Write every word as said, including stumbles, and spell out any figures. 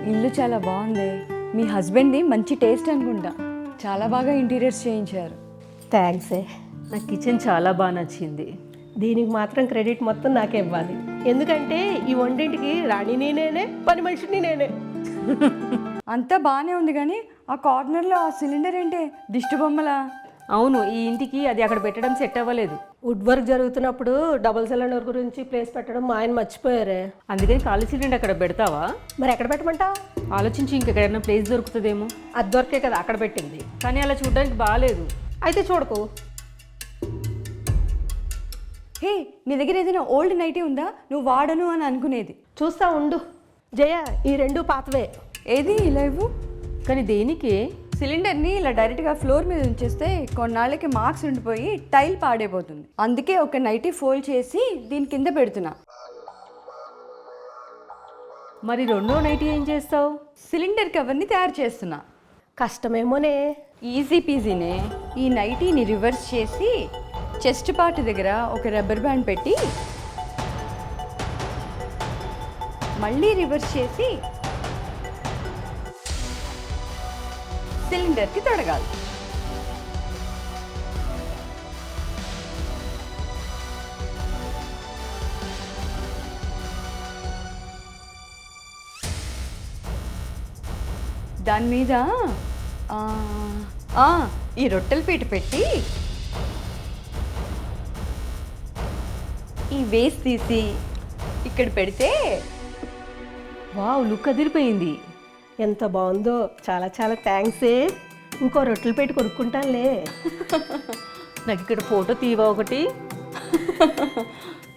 ఇల్లు చాలా బాగుంది. మీ హస్బెండ్ది మంచి టేస్ట్ అనుకుంటా. చాలా బాగా ఇంటీరియర్స్ చేయించారు. థ్యాంక్స్. నాకు కిచెన్ చాలా బాగా నచ్చింది. దీనికి మాత్రం క్రెడిట్ మొత్తం నాకే ఇవ్వాలి, ఎందుకంటే ఈ వంటింటికి రాణిని నేనే, పని మనిషిని నేనే. అంతా బాగానే ఉంది కానీ ఆ కార్నర్లో ఆ సిలిండర్ ఏంటి దిష్టి బొమ్మలా? అవును, ఈ ఇంటికి అది అక్కడ పెట్టడం సెట్ అవ్వలేదు. వుడ్ వర్క్ జరుగుతున్నప్పుడు డబుల్ సిలిండర్ గురించి ప్లేస్ పెట్టడం మా ఆయన మర్చిపోయారే. అందుకని ఖాళీ సిలిండర్ అక్కడ పెడతావా? మరి ఎక్కడ పెట్టమంటావు? ఆలోచించి ఇంకెక్కడైనా ప్లేస్ దొరుకుతుందేమో. అది దొరికే కదా అక్కడ పెట్టింది. కానీ అలా చూడడానికి బాగాలేదు. అయితే చూడకు. హే, నీ దగ్గర ఏదైనా ఓల్డ్ నైటీ ఉందా నువ్వు వాడను అని అనుకునేది? చూస్తా ఉండు జయ, ఈ రెండు పాతవే. ఏది ఇలా ఇవ్వు. కానీ దేనికి? సిలిండర్ని ఇలా డైరెక్ట్గా ఫ్లోర్ మీద ఉంచేస్తే కొన్నాళ్ళకి మార్క్స్ ఉండిపోయి టైల్ పాడైపోతుంది. అందుకే ఒక నైటీ ఫోల్డ్ చేసి దీని కింద పెడుతున్నా. మరి రెండో నైట్ ఏం చేస్తావు? సిలిండర్ కవర్ని తయారు చేస్తున్నా. కష్టమేమోనే. ఈజీ పీజీనే. ఈ నైటీని రివర్స్ చేసి చెస్ట్ పార్ట్ దగ్గర ఒక రబ్బర్ బ్యాండ్ పెట్టి మళ్ళీ రివర్స్ చేసి సిలిండర్కి తొడగాలి. దాని మీద ఆ, ఆ, ఈ రొట్టెల పీట పెట్టి ఈ వేస్ట్ తీసి ఇక్కడ పెడితే వావ్, లుక్ అదిరిపోయింది. ఎంత బాగుందో. చాలా చాలా థ్యాంక్సే. ఇంకో రొట్టెలు పెట్టి కొనుక్కుంటానులే. నాకు ఇక్కడ ఫోటో తీవా ఒకటి.